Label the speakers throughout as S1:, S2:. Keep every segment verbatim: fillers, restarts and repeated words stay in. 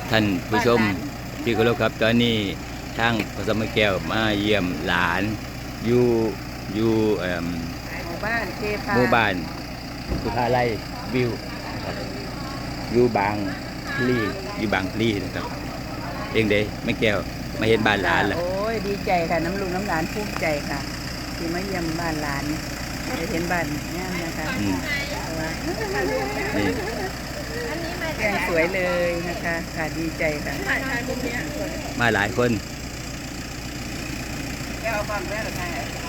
S1: ท่านผู้ชมที่เคารพครับตอนนี้ทางพสมแก้วมาเยี่ยมหลานอยู่อยู่เอ่อ
S2: หมู่บ้านเทพา
S1: หมู่บ้านสุภาลัยวิวนะครับอยู่บางพลีอยู่บางพลีนะครับเองเด้แม่แก้วมาเห็นบ้านหลานล่ะ
S2: โอ้ยดีใจค่ะน้ำลุงน้ำหลานภูมิใจค่ะที่มาเยี่ยมบ้านหลานได้เห็นบ้านงามนะคะ
S1: อืม
S2: แต่ว่า
S1: นี่
S2: แกงสวยเลยนะคะค่ะดีใจค่ะ
S1: มาหลายคน
S2: แก้วฟังได้หรือไง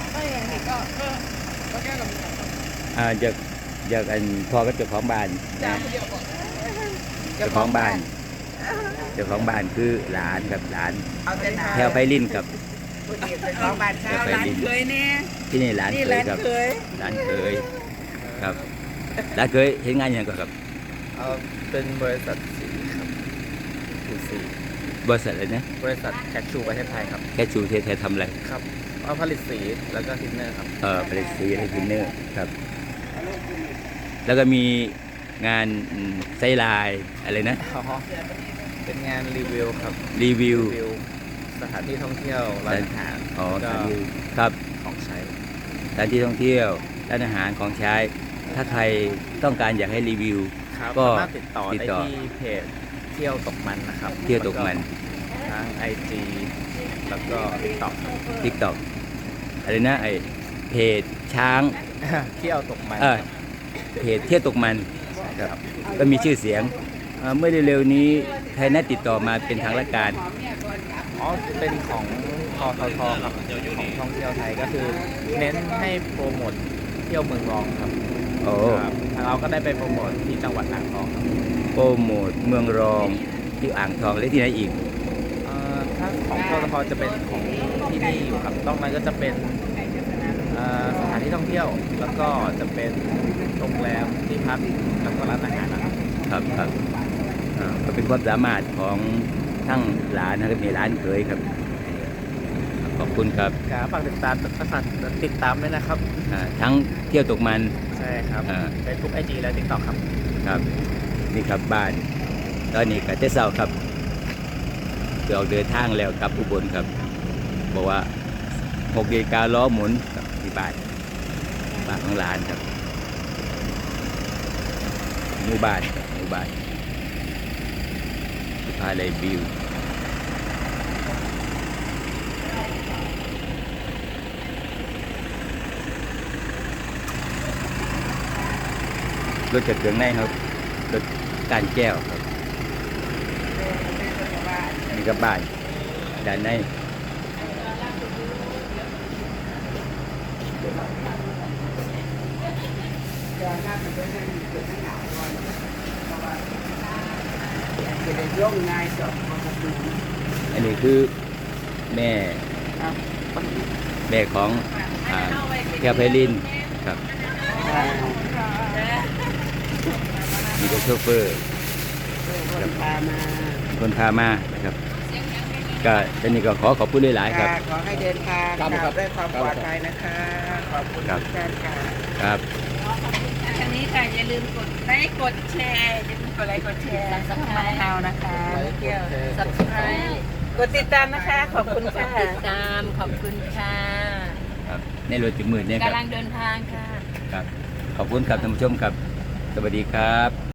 S1: อ่าจากจากอันพ่อก็เจ้าของบ้านนะเจ้าของบ้านเจ้าของบ้านคือหลานกับหลาน
S2: เอาแต่นา
S1: แถวไพลินกับ
S2: ผู้เดียวเป็นของบ้านเช้าหลานเคยเนี่ย
S1: ที่นี่หลาน
S2: นี่
S1: เค
S2: หลาย น
S1: ครับ
S2: เคย
S1: หลานเคยครับหลานเคยเห็นงานอย่างก่อนครับ
S3: เอ่อเป็นบริษัทสีครับสีสี
S1: บริษัทอะไรนะ
S3: บริษัทแคชชูประเทศไทยครับ
S1: แค่ชูเทไทยทำอะไร
S3: ครับเอาผลิตสีแล้วก็ทินเนอร์ครับ
S1: เออผลิตสีให้ทินเนอร์ครับ แล้วก็มีงานอืมไซไลน์อะไรนะ
S3: อ๋อเป็นงานรีวิวครับ
S1: รีวิว
S3: รีวิวสถานที่ท่องเที่ยวร้านอาหาร
S1: อ๋อ
S3: แล้ว
S1: ส
S3: ก็
S1: ถานที่ครับ
S3: ของใช้
S1: สถานที่ท่องเที่ยวร้านอาหารของใช้ ถ้าใครต้องการอยากให้รีวิว
S3: ครับ
S1: ก็
S3: สามารถติดต่อ
S1: ติด
S3: ได้
S1: ต่อ
S3: ที่เพจเที่ยวตกมันนะครับ
S1: เที่ยวตกมัน
S3: แล้วทั้ง ไอ จี แล้วก็ ติ๊กต็อก
S1: ทิกตอกอะไรนะไอเพจช้าง
S3: เที่ยวตกมัน
S1: เออเพจเที่ยวตกมันครับก็มีชื่อเสียงเอ่อเมื่อเร็วๆนี้ใครนัดติดต่อมาเป็นทางราชการ
S3: อ๋อเป็นของทททครับของท่องเที่ยวไทยก็คือ เน้นให้โปรโมทเที่ยวเมืองรองครับ
S1: โอ้
S3: ครับทางเราก็ได้ไปโปรโมทที่จังหวัดอ่างทองครับ
S1: โปรโมทเมืองรองที่อ่างทองและที่ไหนอีก
S3: เอ่อถ้าของทททจะเป็นของที่นี่อยู่ครับต้องนั้นก็จะเป็นเอ่อสถานที่ท่องเที่ยว แล้วก็จะเป็นโรงแรมที่พักแล้วก็ร้านอาหารนะครับ
S1: ครับครับอ่าก็เป็นความสามารถของทั้งหลานนะครับมีหลานเคยครับ ขอบคุณครับ
S3: ครับฝากติดตามฝากติดตามด้วยนะครับ
S1: อ่าทั้งเที่ยวตกมัน
S3: ใช่ครับ
S1: อ่า
S3: เฟซบุ๊กไอจีและติ๊กต็อกครับ
S1: ครับนี่ครับบ้าน ตอนนี้ก็เจ้าเศร้าครับเดี๋ยวออกเดินทางแล้วกลับอุบลครับ บอกว่าหกนาฬิกาล้อหมุนกับที่บ้านบ้านของหลานครับหมู่บ้านครับหมู่บ้านสุภาลัยวิวรถจัดเครื่องในครับรถการแก้วครับนี่ก็บ้านด้านในอันนี้คือแม่แม่ของอ่าแคปไพลินครับมีก็โชเฟอร์ครับ
S2: พามา
S1: คนพามานะครับก็ตอนนี้ก็ขอขอบคุณหลายๆครับ
S2: ค่ะขอให้เดินทางกลับด้วยความปลอดภัยนะคะ ขอบคุณ
S1: ครับ
S2: ทุกท่านค่ะ
S1: ครับ
S2: ทางนี้ค่ะอย่าลืมกดไลค์กดแชร์อย่าลืมกดไลค์กดแชร์สับสไครต์เรานะคะเกี่ยวสับสไครต์กดติดตามนะคะ ขอบคุณค่ะ
S4: ตามขอบคุณค่ะ
S1: ครับในรถจุดมืดเนี่ยครับ
S4: กำลังเดินทางค่ะ
S1: ครับ ขอบคุณครับท่านผู้ชมครับ สวัสดีครับ